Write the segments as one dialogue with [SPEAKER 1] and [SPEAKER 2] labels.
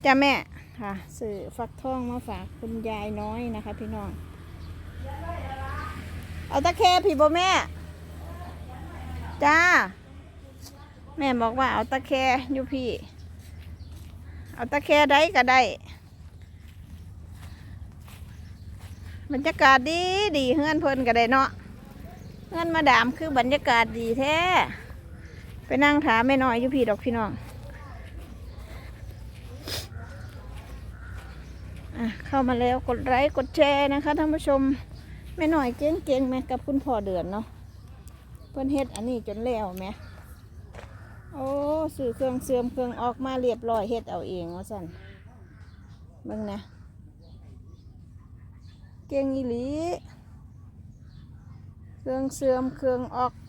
[SPEAKER 1] จ้าแม่ค่ะสื่อฟักทองมาฝากคุณยายน้อยนะคะพี่น้องเอาตะแคพี่บ่แม่จ้าแม่บอกว่าเอาตะแคอยู่พี่เอาตะแคได้ก็ได้บรรยากาศดีดีเฮือนเพิ่นก็ได้เนาะเฮือนมาดามคือบรรยากาศดีแท้ไปนั่งถามแม่น้อยอยู่พี่ดอกพี่น้องเข้ามาแล้วกดไลค์กดแชร์นะคะท่านผู้ชมแม่หน่อยเก่งๆไหมกับคุณพ่อเดือนเนาะเพิ่นเฮ็ดอันนี้จนแล้วไหมโอ้สื่อเครื่องเสื่อมเครื่องออกมาเรียบร้อยเฮ็ดเอาเองว่าสั่นเบิ่งนะเก่งอีหลีเครื่องเสื่อมเครื่องออก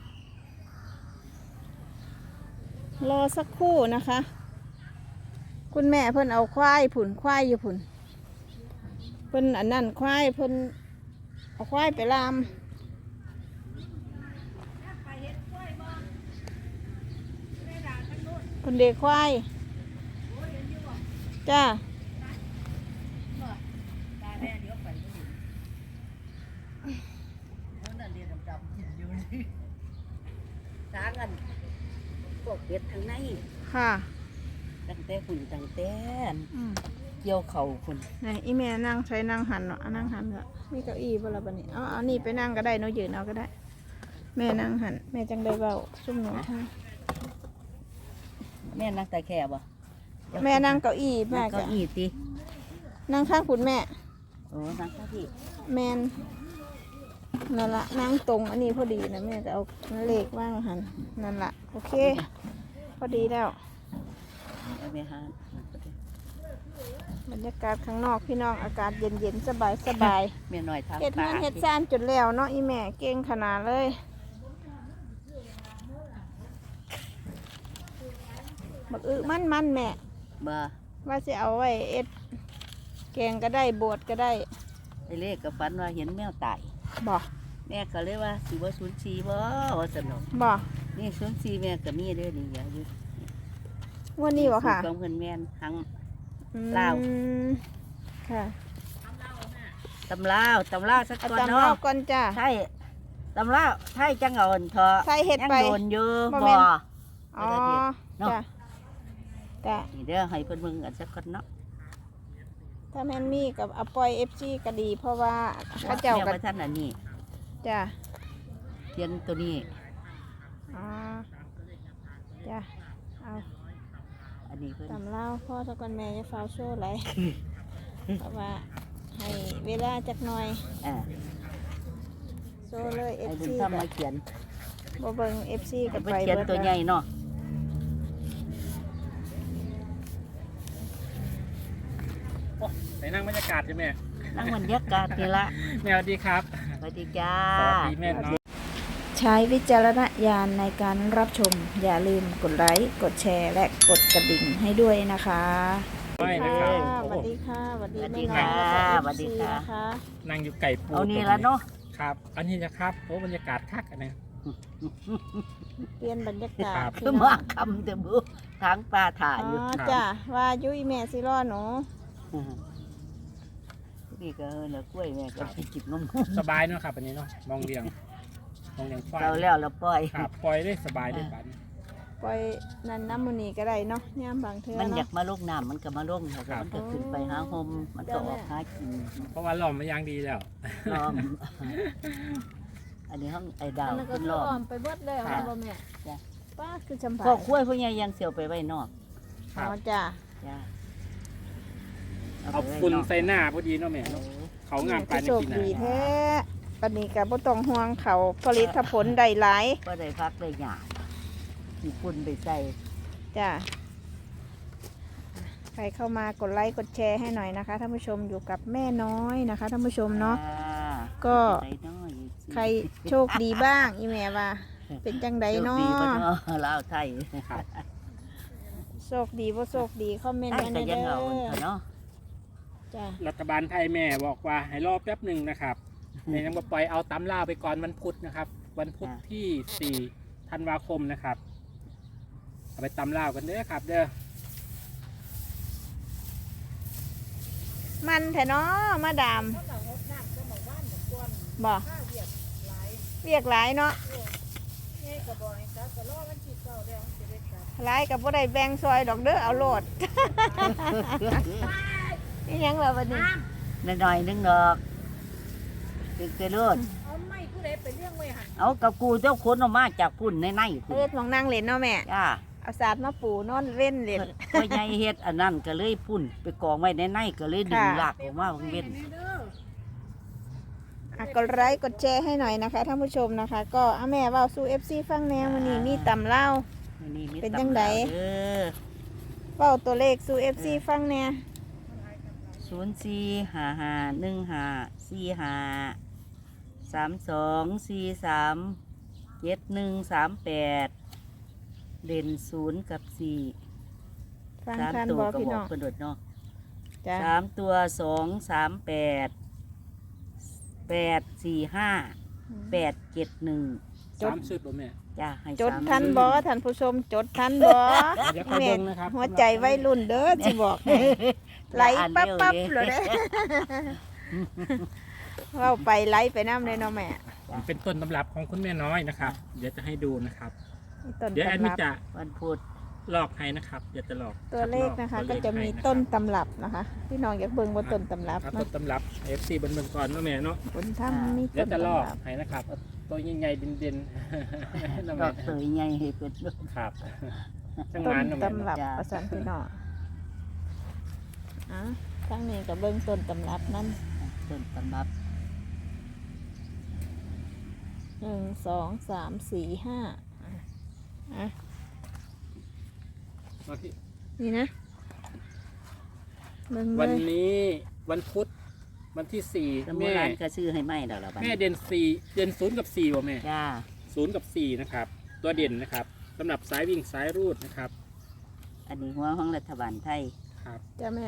[SPEAKER 1] รอสักครู่นะคะคุณแม่เพิ่นเอาควายผุ่นควายอยู่ผุ่นเพิ่นอันนั้นควายเพิ่นเอาควายไปลามคนเด็กควายจ้า
[SPEAKER 2] สากันพวกเป็ดทางใน
[SPEAKER 1] ค่ะ
[SPEAKER 2] ตั้งแต่ฝุ่นตั้งแต่เกี่ยวเข่าฝุ่น
[SPEAKER 1] ไหนอีแม่นั่งใช้นั่งหันเนาะนั่งหันเนาะมีเก้าอี้บ่ล่ะบัดนี้เอานี่ไปนั่งก็ได้เนาะยืนเอาก็ได้แม่นั่งหันแม่จังได้เบาซุ่มหนูท่า
[SPEAKER 2] แม่นั่งแต่แค่บ่
[SPEAKER 1] แม่นั่งเก้าอี้แม่
[SPEAKER 2] เก้าอี้ติ
[SPEAKER 1] นั่งข้างคุณแม่
[SPEAKER 2] โอ้นั่งข้างพี่
[SPEAKER 1] แมนนั่นละนั่งตรงอันนี้พอดีนะแม่จะเอาเลขว่างหันนั่นละโอเคพอดีแล้ว
[SPEAKER 2] แม่หา
[SPEAKER 1] บรรยากาศข้างนอกพี่น้องอากาศเย็นๆสบาย
[SPEAKER 2] แม่หน่อยทำ
[SPEAKER 1] เฮ็ดงานเฮ็ดซ่านจนแล้วเนาะอีแม่เก่งขนาดเลยบักมันแม่
[SPEAKER 2] บ่
[SPEAKER 1] ว่าจะเอาไว้เอ็ดแกงก็ได้บดก็ได้
[SPEAKER 2] ไอ้เลขกับฝันว่าเห็นแมวตาย
[SPEAKER 1] บ่
[SPEAKER 2] แม่ก็เลยว่าสิบ่04บ่ว่าสนุก
[SPEAKER 1] บ่
[SPEAKER 2] นี่04แม่ก็มีเด้อนี่อย่าอยู่
[SPEAKER 1] วันนี้บ่ค่ะ
[SPEAKER 2] ของเพิ่นแม่นทั้งลาว
[SPEAKER 1] ค่ะ
[SPEAKER 2] ตำลาวสักก่อนเนาะ
[SPEAKER 1] ตำลาวก่อนจ้า
[SPEAKER 2] ใช่ตำลาวไทยจังเอาเถอะ
[SPEAKER 1] ใส่เฮ็ดไป
[SPEAKER 2] ยังโดนอยู่บ่
[SPEAKER 1] อ๋อจ้าจ้า
[SPEAKER 2] นี่เด้อให้เพิ่นเบิ่งกันสักก่อนเนาะ
[SPEAKER 1] ถ้าแม่นมีกับอปอย FC ก็ดีเพราะว่าเขาเจ้ากัน
[SPEAKER 2] ท่านอันนี้
[SPEAKER 1] จ้า
[SPEAKER 2] เทียนตัวนี้
[SPEAKER 1] อ๋อจ้าเอา
[SPEAKER 2] อันนี้เพิ่น
[SPEAKER 1] ตำเล่าพ่อตะกอนแม่จะฟ้าวโซ่ไหลเพราะว่าให้เวลาจักหน่อยโซ่เลย
[SPEAKER 2] FC
[SPEAKER 1] กับ
[SPEAKER 2] มาเขียน
[SPEAKER 1] บ่เบิ่ง FC กับไป
[SPEAKER 2] เขียนตัวใหญ่เนาะ
[SPEAKER 3] ไปนั่งบรรยากาศใช่ไหม
[SPEAKER 2] นั่งบรรยากาศนี่ละ
[SPEAKER 3] แม่สวัสดีครับ
[SPEAKER 2] สวัสดีจ้า
[SPEAKER 3] สวัสดีแม่เนาะ
[SPEAKER 1] ใช้วิจารณญาณในการรับชมอย่าลืมกดไลค์กดแชร์และกดกระดิ่งให้ด้วยนะคะสวัสดีค่ะสวัสดีแม่น้อย
[SPEAKER 2] สวัสดีค่ะ
[SPEAKER 3] นั่งอยู่ไก่ปู
[SPEAKER 2] เอานี่ละเนาะ
[SPEAKER 3] ครับอันนี้นะครับโอ้บรรยากาศคักอันนี้
[SPEAKER 1] เปลี่ยนบรรยากาศ
[SPEAKER 2] คือมาคำแต่บุทางปลาถ่ายอยู่
[SPEAKER 1] จ้าว่ายุ้ยแม่สิรอหนู
[SPEAKER 2] นี่ก็เนื้อกล้วยแม่ก็ไปจิบนม
[SPEAKER 3] สบายเนาะครับอันนี้เนาะมองเลี้ยงควาย
[SPEAKER 2] เราแล้วเราปล่อย
[SPEAKER 3] ครับปล่อยได้สบายได้ปัน
[SPEAKER 1] ปล่อยนั่นน้ำมันนี่ก็ได้เนาะย่ามบางเทื่อ
[SPEAKER 2] มันอยากมาลงน้ำมันก็มาลงแต่มันก็ขึ้นไปหาโฮมมันก็ออกหากิน
[SPEAKER 3] เพราะว่าล้อมมาอย่างดีแล้ว
[SPEAKER 2] ล้อมอันนี้ห้องไอ้ดาว
[SPEAKER 1] เป็นล้อมไปเบิดเลยค่ะพ่อแม่ป้าคือจำปา
[SPEAKER 2] ก็คุ้ยพวกนี้ยังเสียวไปไว้นอก
[SPEAKER 1] อ๋อจ้า
[SPEAKER 3] เอาฝุ่นใส่หน้าพอดีเนาะแม่เขางามไปในปีหน้า
[SPEAKER 1] ดีแท้ปันนี้กับบ่ต้องห่วงเขาผลิตผลได้หลาย
[SPEAKER 2] ก็ได้พักได้หยาดที่ฝุ่นไปใส่
[SPEAKER 1] จ้าใครเข้ามากดไลค์กดแชร์ให้หน่อยนะคะท่านผู้ชมอยู่กับแม่น้อยนะคะท่านผู้ชมเนาะก็ใครโชคดีบ้างอีแม่ว่าเป็นจังไดเนาะ
[SPEAKER 2] ลาวไทย
[SPEAKER 1] โชคดีบ่โชคดีคอมเมนต์มาเด้อ
[SPEAKER 3] รัฐบาลไทยแม่บอกว่าให้รอแป๊บหนึ่งนะครับแม่ยังบ่ปล่อยเอาตำล่าไปก่อนวันพุธนะครับวันพุธที่4 ธันวาคมนะครับเอาไปตำล่ากันเด้อครับเด้อ
[SPEAKER 1] มันแท้เนาะมาดามบ่เรียกหลายเนาะหลายกับบ่ได้แบ่งซอยดอกเด้อเอาโลด นี่ยังล่ะบัดนี้
[SPEAKER 2] หน่อยๆนึงดอกตึกไปโลด
[SPEAKER 4] เอาไม่ผู้ใดไปเรื่องไว้หัน
[SPEAKER 2] เอากับกูเจ้าคนออกมาจากพุ่นในพุ่น
[SPEAKER 1] เฮ็ดหมองนั่งเล่นเนาะแม่
[SPEAKER 2] จ้า
[SPEAKER 1] เอาสาดมาปูนอนเว้นเล่น
[SPEAKER 2] พ่อใหญ่เฮ็ดอันนั้นก็เลยพุ่นไปกองไว้ในก็เลยดึง
[SPEAKER 1] ค่ะ
[SPEAKER 2] ลากออกมาเว้น
[SPEAKER 1] กดไลค์กดแชร์ให้หน่อยนะคะท่านผู้ชมนะคะ ก็แม่เว้าสู่ FC ฟังแนววันนี้มีตำเล่า
[SPEAKER 2] นี่มี
[SPEAKER 1] เป็นจังใด
[SPEAKER 2] ตำราเด้อ
[SPEAKER 1] เว้าตัวเลขสู่ FC ฟังแนว
[SPEAKER 2] 04551542437138เด่น0กับ4
[SPEAKER 1] ฟัง
[SPEAKER 2] สาม
[SPEAKER 1] ทัน
[SPEAKER 2] ตัว
[SPEAKER 1] บ่
[SPEAKER 2] ก็
[SPEAKER 1] พี่
[SPEAKER 2] บอ
[SPEAKER 1] น้
[SPEAKER 2] ก
[SPEAKER 1] อง
[SPEAKER 2] เพิ่นโดดเนาะ
[SPEAKER 1] จ้ะ
[SPEAKER 2] 3ตัว238484587
[SPEAKER 1] จด
[SPEAKER 3] 3ชุดบ่แม่
[SPEAKER 2] จ้าให้
[SPEAKER 1] จด
[SPEAKER 2] สาม
[SPEAKER 1] ทัน
[SPEAKER 2] มื้อ
[SPEAKER 1] บ่ท่านผู้ชมจดทันบ่
[SPEAKER 3] เดี๋ยวคอย
[SPEAKER 1] แม่
[SPEAKER 3] เบิ่งนะครับ
[SPEAKER 1] หัวใจวัยรุ่นเด้อสิบอกให้ไหลปั๊บปั๊บเลยเด้อเว้าไปไหลไปน้ำเลยเนาะแม่
[SPEAKER 3] เป็นต้นตำรับของคุณแม่น้อยนะครับ เดี๋ยวจะให้ดูนะครับ
[SPEAKER 1] นี่ต้น
[SPEAKER 3] เดี๋ยวแอด
[SPEAKER 1] ตำ
[SPEAKER 3] มิ
[SPEAKER 1] รับ
[SPEAKER 3] จะ
[SPEAKER 2] วันพุธ
[SPEAKER 3] ลอกให้นะครับ เดี๋ยวจะลอก
[SPEAKER 1] ตัวเลขนะคะ
[SPEAKER 3] ตัว
[SPEAKER 1] ก็
[SPEAKER 3] เลข
[SPEAKER 1] จะมี
[SPEAKER 3] ให้นะครับ
[SPEAKER 1] ต้นตำรับนะคะพี่น้องอยากเบิ่งว่าต้นตำรับ
[SPEAKER 3] ครับ
[SPEAKER 1] นะ
[SPEAKER 3] ต้นตำรับ FC เบิ่งๆก่อนเนาะแม่เนาะ
[SPEAKER 1] บนถ้ำมี
[SPEAKER 3] เดี๋
[SPEAKER 1] ต้
[SPEAKER 3] ยวน จะล
[SPEAKER 1] ตำ
[SPEAKER 3] อก
[SPEAKER 1] รับ
[SPEAKER 3] ให้นะครับเอาตัวใหญ่ๆเด่นๆ น้อง
[SPEAKER 2] ก็
[SPEAKER 3] แม่
[SPEAKER 2] เตยใหญ่ให้เพิ่นด้วย
[SPEAKER 3] ครับจัง
[SPEAKER 1] ต้
[SPEAKER 3] มาน นน้องแม่
[SPEAKER 1] ตำรับ
[SPEAKER 2] จ้ะ
[SPEAKER 1] ประสานพี่น้องทั้งนี้กับเบิ่งต้นตำรับนั่น
[SPEAKER 2] ต้นตำรับ
[SPEAKER 1] 1 2 3 4 5อ่ะ
[SPEAKER 3] มาที่
[SPEAKER 1] นี่นะเบิ่งเล
[SPEAKER 3] วัน
[SPEAKER 1] ย
[SPEAKER 3] นี้วันพุธวันที่
[SPEAKER 2] ส
[SPEAKER 3] 4
[SPEAKER 2] มุ
[SPEAKER 3] แม่
[SPEAKER 2] รานก็ซื้อให้ไหมดอกละบัด
[SPEAKER 3] แม่
[SPEAKER 2] นี้
[SPEAKER 3] เด่น4เด่น0กับ4บ่แม่
[SPEAKER 2] จ้า
[SPEAKER 3] 0กับ4นะครับตัวเด่นนะครับสำหรับสายวิ่งสายรูดนะครับ
[SPEAKER 2] อันนี้หัวของรัฐบาลไทย
[SPEAKER 3] ครับ
[SPEAKER 1] จ้าแม่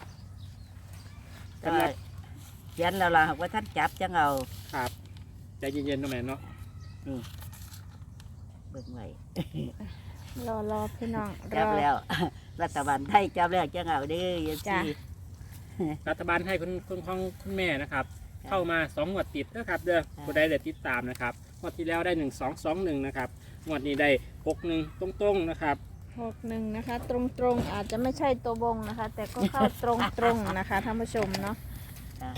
[SPEAKER 2] ก็เขียนแล้วล่ะหากว่าท่านจับจังเอา
[SPEAKER 3] ครับใจเย็นๆน้องแม่เนาะ
[SPEAKER 2] นี่เบิ่งไว้
[SPEAKER 1] รอพี่น้องร
[SPEAKER 2] จับ
[SPEAKER 1] อ
[SPEAKER 2] แล้ว รัฐบาลไทยจับแล้วจังเอาเด้อ
[SPEAKER 1] จ้ะ
[SPEAKER 2] FC
[SPEAKER 3] รัฐบาลให้คุณแม่นะครับ เข้ามา2งวดติดนะครับเด้อผู้ใดได้ติดตามนะครับงวดที่แล้วได้1221นะครับงวดนี้ได้61ตรงๆนะครับ
[SPEAKER 1] 61นะคะ ตรงๆอาจจะไม่ใช่ตัวบงนะคะ แต่ก็เข้าตรงๆนะคะท่านผู้ชมเนาะ
[SPEAKER 2] จ้ะ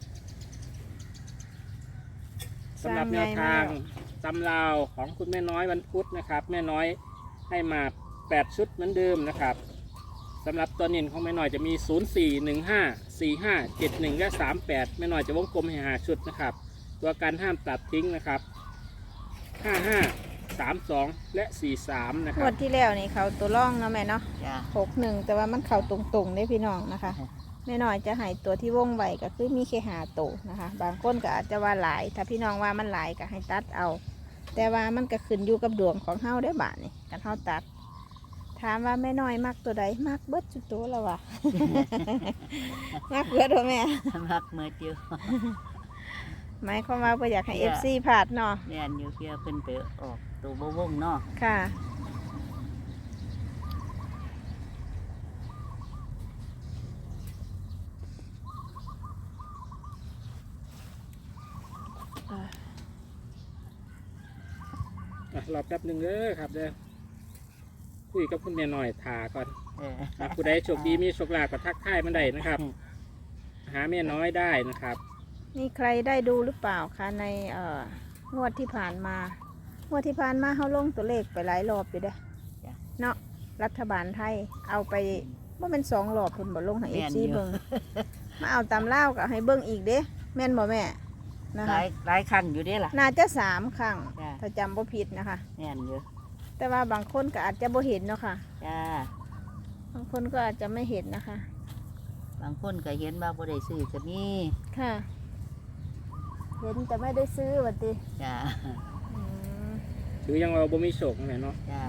[SPEAKER 3] สำหรับแนวทางตำราวของคุณแม่น้อยวันพุธนะครับ แม่น้อยให้มา8ชุดเหมือนเดิมนะครับสำหรับตัวเน้นของแม่น้อยจะมี04154571และ38แม่น้อยจะวงกลมให้5ชุดนะครับตัวการห้ามตัดทิ้งนะครับ55 32และ43นะค
[SPEAKER 1] ง
[SPEAKER 3] รั
[SPEAKER 1] ว
[SPEAKER 3] บ
[SPEAKER 1] ดที่แล้วนี่เขาตัวร่องเนาะแม่เนาะ
[SPEAKER 2] จ้า
[SPEAKER 1] 61แต่ว่ามันเข่าตรงๆได้พี่น้องนะคะแม่น้อยจะให้ตัวที่วงไว้ก็คือมีแค่5ตัวนะคะ บางคนก็อาจจะว่าหลาย ถ้าพี่น้องว่ามันหลายก็ให้ตัดเอา แต่ว่ามันก็ขึ้นอยู่กับดวงของเฮาได้อบาทนี่กันเฮาตัด ถามว่าแม่น้อยมักตัวใดมักเบิดสุดตัวแล้ววะ มักเบิดบ่แม่
[SPEAKER 2] มักเมื่อเดียว
[SPEAKER 1] หมายความว่าบ่อยากให้
[SPEAKER 2] เนี่ย
[SPEAKER 1] FC พลาดเนาะ
[SPEAKER 2] แม่นอยู่เพื่อเพิ่นไปออกตัวบ่วงเนาะ
[SPEAKER 1] ค่ะอ่า
[SPEAKER 3] รอแป๊บหนึ่งเด้อครับเด้อคุยกับคุณแม่น้อยถาก่อน
[SPEAKER 2] เออ
[SPEAKER 3] ครับผู้ใดโชคดีมีโชคลาภก็ทักทายมันได้นะครับ หาแม่น้อยได้นะครับ
[SPEAKER 1] นี่ใครได้ดูหรือเปล่าคะในงวดที่ผ่านมางวดที่ผ่านมาเขาลงตัวเลขไปหลายรอบอยู่เด้อเนาะรัฐบาลไทยเอาไปว่าเป็น2 รอบคุณบ่ลงให้ FC เบิ่งมาเอาตามเล่าวก็ให้เบิ่งอีกเด้แม่นบ่แม่นะ
[SPEAKER 2] ห
[SPEAKER 1] คะ
[SPEAKER 2] ลายครั้งอยู่เด้ล่ะ
[SPEAKER 1] น่าจะ3 ครั้ง
[SPEAKER 2] จ้ะ
[SPEAKER 1] ถ้าจำบ่ผิดนะคะ
[SPEAKER 2] แม่นอยู่
[SPEAKER 1] แต่ว่าบางคนก็อาจจะบ่เห็นเนาะค่ะ
[SPEAKER 2] จ้า
[SPEAKER 1] บางคนก็อาจจะไม่เห็นนะคะ
[SPEAKER 2] บางคนก็เห็นว่าบ่ได้ซื้อก็มี
[SPEAKER 1] ค่ะ เห็นแต่ไม่ได้ซื้อวัติ
[SPEAKER 2] จ้า
[SPEAKER 1] อืม
[SPEAKER 3] ถือยังเราบ่มีโชคนั่นแหละเนาะ
[SPEAKER 2] จ้า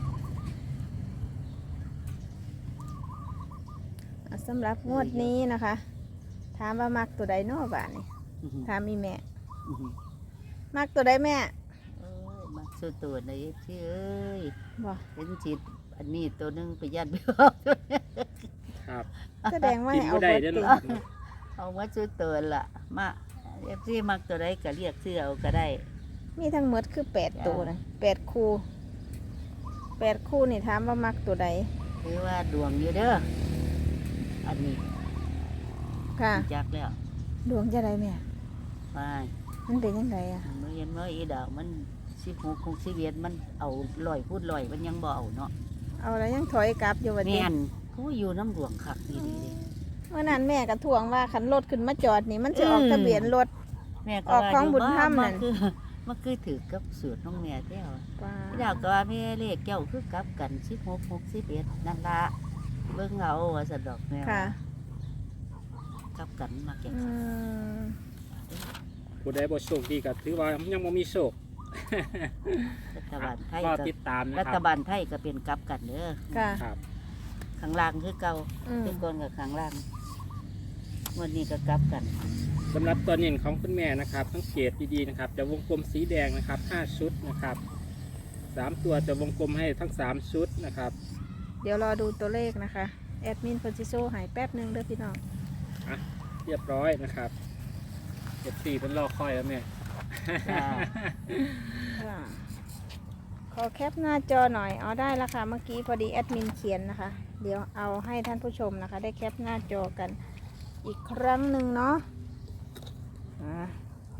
[SPEAKER 1] สำหรับงวดนี้นะคะ ถามว่ามักตัวใดเนอบาทนี่
[SPEAKER 2] อื้อหือ
[SPEAKER 1] ถามมีแม่
[SPEAKER 2] อื้อหือ
[SPEAKER 1] มักตัวใดแม่
[SPEAKER 2] เอ้ยมาสู้ตัวในที่เอ้ย
[SPEAKER 1] บ่
[SPEAKER 2] เป็นจิตอันนี้ตัวหนึงไปยัดไปออก
[SPEAKER 3] ครับ
[SPEAKER 1] แสดงว่า
[SPEAKER 3] กิน
[SPEAKER 1] ให้เอา
[SPEAKER 3] บ่ได้
[SPEAKER 1] เบิด
[SPEAKER 3] เด้อ
[SPEAKER 1] ติ
[SPEAKER 3] เนาะ
[SPEAKER 2] เอาไว้ซื้อเตือนล่ะมาเอฟซีมักตัวใดก็เรียกซื้อเอาก็ได้
[SPEAKER 1] มีทั้งหมดคือ8ตัวนะ8คู่8คู่นี่ถามว่ามักตัวใด
[SPEAKER 2] คือว่าดวงอยู่เด้ออันนี้
[SPEAKER 1] ค่ะ
[SPEAKER 2] จักแล้ว
[SPEAKER 1] ดวงจะได้แม่
[SPEAKER 2] ไป
[SPEAKER 1] มันเป็นยังไงอ่ะ
[SPEAKER 2] เมื่อเย็นเมื่ออีดาวมัน16คง11มันเอา100พูด100มันยังบ่เอาเนาะ
[SPEAKER 1] เอาแล้วยังถอยกลับอยู่วันนี้
[SPEAKER 2] แม่นกูอยู่น้ำดวงคักนี่ดี
[SPEAKER 1] เมื่อนั้นแม่ก็ทวงว่าคันรถขึ้นมาจอดนี่มันจะออกทะเบียนรถ
[SPEAKER 2] แม่ก็
[SPEAKER 1] ออกของบุญธรรมนั่
[SPEAKER 2] มัน
[SPEAKER 1] น
[SPEAKER 2] คือมันคือถือกับสูตรน้องแม่แท้ว
[SPEAKER 1] ว้า
[SPEAKER 2] อยากก็ว่าแม่เลขเจ้าคือกลับกัน16 61นั่นละเบิ่งเอาว่าสะดอกแม่
[SPEAKER 1] ค่ะ
[SPEAKER 2] กลับกันมาแก่
[SPEAKER 1] อืม
[SPEAKER 3] ผู้ใดบ่โชคดีก็ถือว่ายังบ่มีโชค
[SPEAKER 2] รัฐบาลไทย
[SPEAKER 3] ก็
[SPEAKER 2] ก็
[SPEAKER 3] ติดตามนะ
[SPEAKER 2] รั
[SPEAKER 3] ค
[SPEAKER 2] ฐ
[SPEAKER 3] รับ
[SPEAKER 2] บาลไทยก็เป็นกลับกันเด้อ
[SPEAKER 1] ค่ะ
[SPEAKER 3] ครับ
[SPEAKER 2] ข้างล่างคือเก่า
[SPEAKER 1] อืม
[SPEAKER 2] ทุกคนกับข้างล่างวันนี้ก็กลับกัน
[SPEAKER 3] สำหรับตัวเน้นของคุณแม่นะครับสังเกตดีๆนะครับจะวงกลมสีแดงนะครับ5ชุดนะครับ3ตัวจะวงกลมให้ทั้ง3ชุดนะครับ
[SPEAKER 1] เดี๋ยวรอดูตัวเลขนะคะแอดมินเพิ่นสิโซ่หายแป๊บหนึงเด้อพี่น้อง
[SPEAKER 3] เรียบร้อยนะครับ14เป็นรอคอยแล้วแม่
[SPEAKER 2] จ้า
[SPEAKER 1] ค่ะขอแคปหน้าจอหน่อยเอาได้แล้วค่ะเมื่อกี้พอดีแอดมินเขียนนะคะ เดี๋ยวเอาให้ท่านผู้ชมนะคะ ได้แคปหน้าจอกันอีกครั้งหนึ่งเนาะอ่า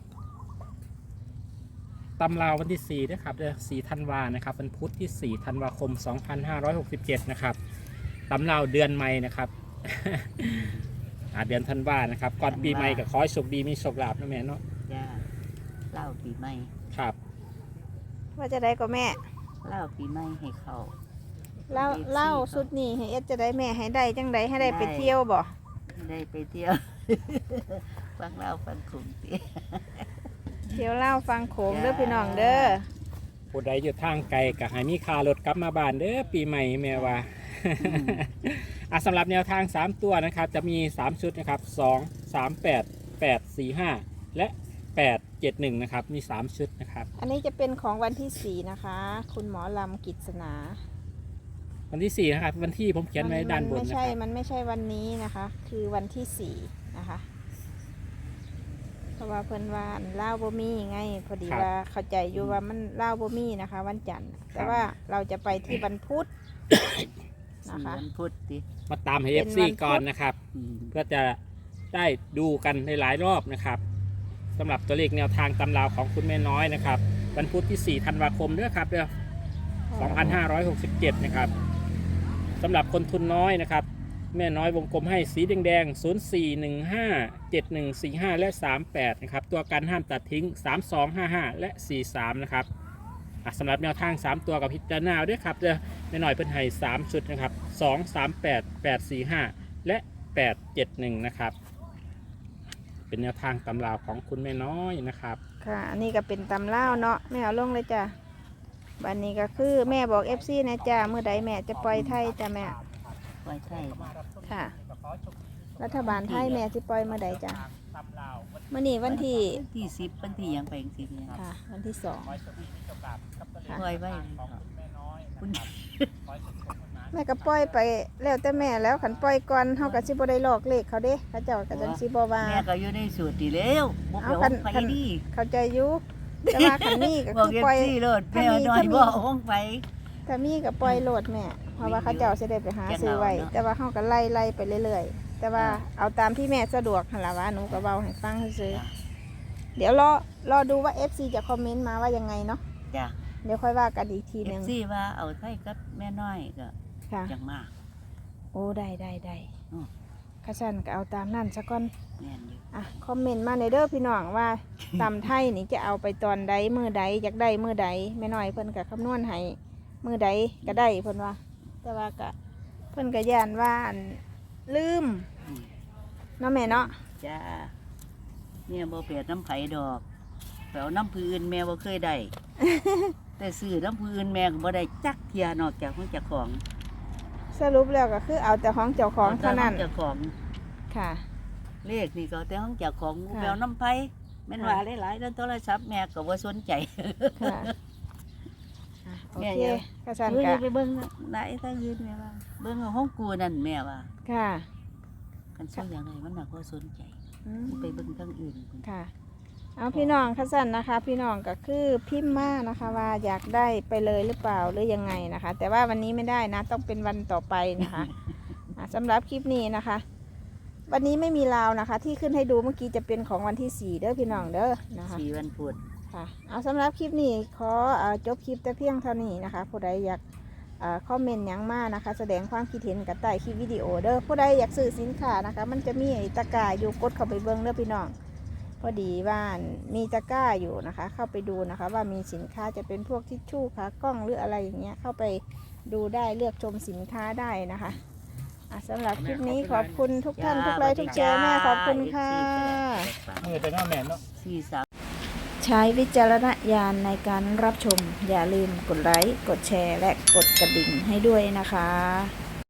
[SPEAKER 3] ตำราววันที่4นะครับเดือน4ธันวานะครับวันพุธที่4ธันวาคม 2567นะครับตำราวเดือนใหม่นะครับ เดือนธันวานะครับก่อนปีใหม่ก็ขอให้โชคดีมีโชคลาภนะแม่เนาะ
[SPEAKER 2] จ้าเล่าปีใหม่
[SPEAKER 3] ครับ
[SPEAKER 1] ว่าจะได้ก็แม่
[SPEAKER 2] เล่าปีใหม่ให้เขา
[SPEAKER 1] เล่า
[SPEAKER 2] FC
[SPEAKER 1] เล่าสุดนี้ให้เอสจะได้แม่ให้ได้จังใดให้ได้ไปเที่ยวบ่
[SPEAKER 2] ได้ไปเที่ยว ฟังเล่าฟังขุมตี
[SPEAKER 1] เที่ยวเล่าฟังโขงเด้อพี่น้องเด้อ
[SPEAKER 3] ผู้ใดอยู่ทางไกลก็ให้มีค่ารถกลับมาบ้านเด้อปีใหม่แม่ว่า สำหรับแนวทาง 3 ตัวนะครับจะมี 3 ชุดนะครับ2 3 8 8 4 5 และ 8 7 1นะครับมี 3 ชุดนะครับ
[SPEAKER 1] อันนี้จะเป็นของวันที่4นะคะ คุณหมอลำกิษณา
[SPEAKER 3] วันที่4นะครับวันที่ผมเขียนไว้ด้านบน
[SPEAKER 1] ไม่
[SPEAKER 3] นะ
[SPEAKER 1] ใช่
[SPEAKER 3] ครับ
[SPEAKER 1] มันไม่ใช่วันนี้นะคะ คือวันที่4นะคะ เพราะว่าเพิ่นว่าอันเล่าวบ่มีไง พอดีว่าเข้าใจอยู่ว่ามันเล่าวบ่มีนะคะ วันจันทร์แต่ว่าเราจะไปที่วันพุธ นะคะ
[SPEAKER 2] วันพุธติ
[SPEAKER 3] มาตามให้
[SPEAKER 1] เป็น
[SPEAKER 3] FC
[SPEAKER 1] วันพุธ
[SPEAKER 3] ก่อนนะครับ
[SPEAKER 2] อืม
[SPEAKER 3] เพื่อจะได้ดูกันในหลายรอบนะครับสำหรับตัวเลขแนวทางตำราวของคุณแม่น้อยนะครับวันพุธที่ 4 ธันวาคมเด้อครับเด้อ 2567 นะครับสำหรับคนทุนน้อยนะครับ แม่น้อยวงกลมให้สีแดงๆ 0415 7145 และ 38 นะครับ ตัวกันห้ามตัดทิ้ง 3255 และ 43 นะครับสำหรับแนวทาง 3 ตัวกับพิจารณาด้วยครับเด้อแม่น้อยเพิ่นให้3ชุดนะครับ 2 38 845 และ 871 นะครับ เป็นแนวทางตำราวของคุณแม่น้อยนะครับ
[SPEAKER 1] ค่ะ อันนี้ก็เป็นตำเล่าวเนาะแม่เอาลงเลยจ้ะบันนี้ก็คือแม่บอก FC นะจ้าเมื่อใดแม่จะปล่อยไทยจ้ะแม่
[SPEAKER 2] ไว้ไทย
[SPEAKER 1] ค่ะ รัฐบาลไทยแม่สิปล่อยเมื่อใดจ้ะมื่อนี้วันที่
[SPEAKER 2] ที่10วันที่ยังไปจังซี่เนี่ย
[SPEAKER 1] ค่ะ วันที่2 ค่ะ
[SPEAKER 2] ปล่อยไว้เลยเนาะคุณ
[SPEAKER 1] แม่ก็ปล่อยไปแล้วแต่แม่แล้วขันปล่อยก่อนเฮาก็สิบ่ได้ลอกเลขเขาเด้เขาเจ้าก็จังสิบ่ว่า
[SPEAKER 2] แม่ก็อยู่ในสูตรดีแล้วบ่ไป
[SPEAKER 1] เอา
[SPEAKER 2] ห้องไป
[SPEAKER 1] คัน
[SPEAKER 2] ดี
[SPEAKER 1] เข้าใจอยู่แต่ว่าคันนี้ก็
[SPEAKER 2] บอก
[SPEAKER 1] คือ
[SPEAKER 2] เอฟ
[SPEAKER 1] ปล่อย
[SPEAKER 2] ซีโลด
[SPEAKER 1] ถ้า
[SPEAKER 2] แม่
[SPEAKER 1] มี
[SPEAKER 2] น้อย
[SPEAKER 1] ถ้ามี
[SPEAKER 2] บ่ห้องไป
[SPEAKER 1] ถ้ามีก็ปล่อยโหลดแม่เพราะว่าเขาเจ้าสิได้ไปหาซื้อไว้
[SPEAKER 2] เนาะ
[SPEAKER 1] แต่ว่าเฮาก็ไล่ไปเรื่อยๆ แต่ว่าเอาตามที่แม่สะดวกหั่นล่ะว่าหนูก็เว้าให้ฟังซื่อๆเดี๋ยวรอดูว่า FC จะคอมเมนต์มาว่ายังไงเนาะ
[SPEAKER 2] จ้ะ
[SPEAKER 1] เดี๋ยวค่อยว่ากันอีกที
[SPEAKER 2] เอ
[SPEAKER 1] หนึ
[SPEAKER 2] ฟ
[SPEAKER 1] ง
[SPEAKER 2] ซีว่าเอาไทยกับแม่น้อยก็
[SPEAKER 1] ค่ะ
[SPEAKER 2] จังมาก
[SPEAKER 1] โอ้ได้
[SPEAKER 2] อืม
[SPEAKER 1] ข้าสันก็เอาตามนั่นซะก่อน
[SPEAKER 2] แม่นอยู่
[SPEAKER 1] อ่ะคอมเมนต์มาในเด้อพี่น้องว่า ตำไทยนี่จะเอาไปตอนใดมือใดอยากได้มือใดแม่น้อยเพิ่นก็คำนวณให้มือใดก็ได้เพิ่นว่า แต่ว่าก็เพิ่นก็ย่านว่าอันลืม
[SPEAKER 2] อืม
[SPEAKER 1] เนาะแม่เนาะ
[SPEAKER 2] จ้าเนี่ยบ่เปียดน้ำไผดอกแปลวน้ำพื้นแม่บ่เคยได้ แต่ซื้อน้ำพื้นแม่ก็บ่ได้จักเทียนอกจากของเจ้าของ
[SPEAKER 1] สรุปแล้วก็คือเอาแต่ของเจ้าของเท่านั้น
[SPEAKER 2] เจ้าของ
[SPEAKER 1] ค่ะ
[SPEAKER 2] เลขนี่ก็เอาแต่ของเจ้าของ
[SPEAKER 1] ค่ะ
[SPEAKER 2] แปลวน้ำไผแม่นว่าหลายๆแล้วโทรศัพท์แม่ก็บ่สนใจ
[SPEAKER 1] ค่ะอ่ะโอโอเคกระสัน
[SPEAKER 2] เฮ้ย
[SPEAKER 1] กะ
[SPEAKER 2] ไปเบิ่งได้ทางอื่นแม่ว่าเบิ่งเอาห้องกูนั่นแม่ว่า
[SPEAKER 1] ค่ะ
[SPEAKER 2] กันสู้อย่างไรมันน่ะก็สนใจ
[SPEAKER 1] อืม
[SPEAKER 2] ไปเบิ่งทางอื่น
[SPEAKER 1] ค่ะ เอาพี่น้องกระสันนะคะ พี่น้องก็คือพิมพ์มานะคะ ว่าอยากได้ไปเลยหรือเปล่าหรือยังไงนะคะ แต่ว่าวันนี้ไม่ได้นะ ต้องเป็นวันต่อไปนะคะ สำหรับคลิปนี้นะคะ วันนี้ไม่มีลาวนะคะ ที่ขึ้นให้ดูเมื่อกี้จะเป็นของวันที่4เด้อพี่น้องเด้อนะคะ
[SPEAKER 2] 4วันพุธ
[SPEAKER 1] ค่ะเอาสำหรับคลิปนี้ขอจบคลิปแต่เพียงเท่านี้นะคะผู้ใดอยากคอมเมนต์หยังมานะคะ แสดงความคิดเห็นกับใต้คลิปวิดีโอเด้อผู้ใดอยากซื้อสินค้านะคะ มันจะมีไอ้ตะกร้าอยู่กดเข้าไปเบิ้งเด้อพี่น้องพอดีว่ามีตะกร้าอยู่นะคะ เข้าไปดูนะคะ ว่ามีสินค้าจะเป็นพวกทิชชู่ขากล้องหรืออะไรอย่างเงี้ยเข้าไปดูได้เลือกชมสินค้าได้นะคะสำหรับคลิปนี้ขอบคุณทุกท่านทุกไลค์ทุกแชร์แม่ขอบคุณค่ะ
[SPEAKER 3] มือแต่น้าแม่เนาะ
[SPEAKER 2] 4
[SPEAKER 1] ใช้วิจารณญาณในการรับชมอย่าลืมกดไลค์กดแชร์และกดกระดิ่งให้ด้วยนะคะ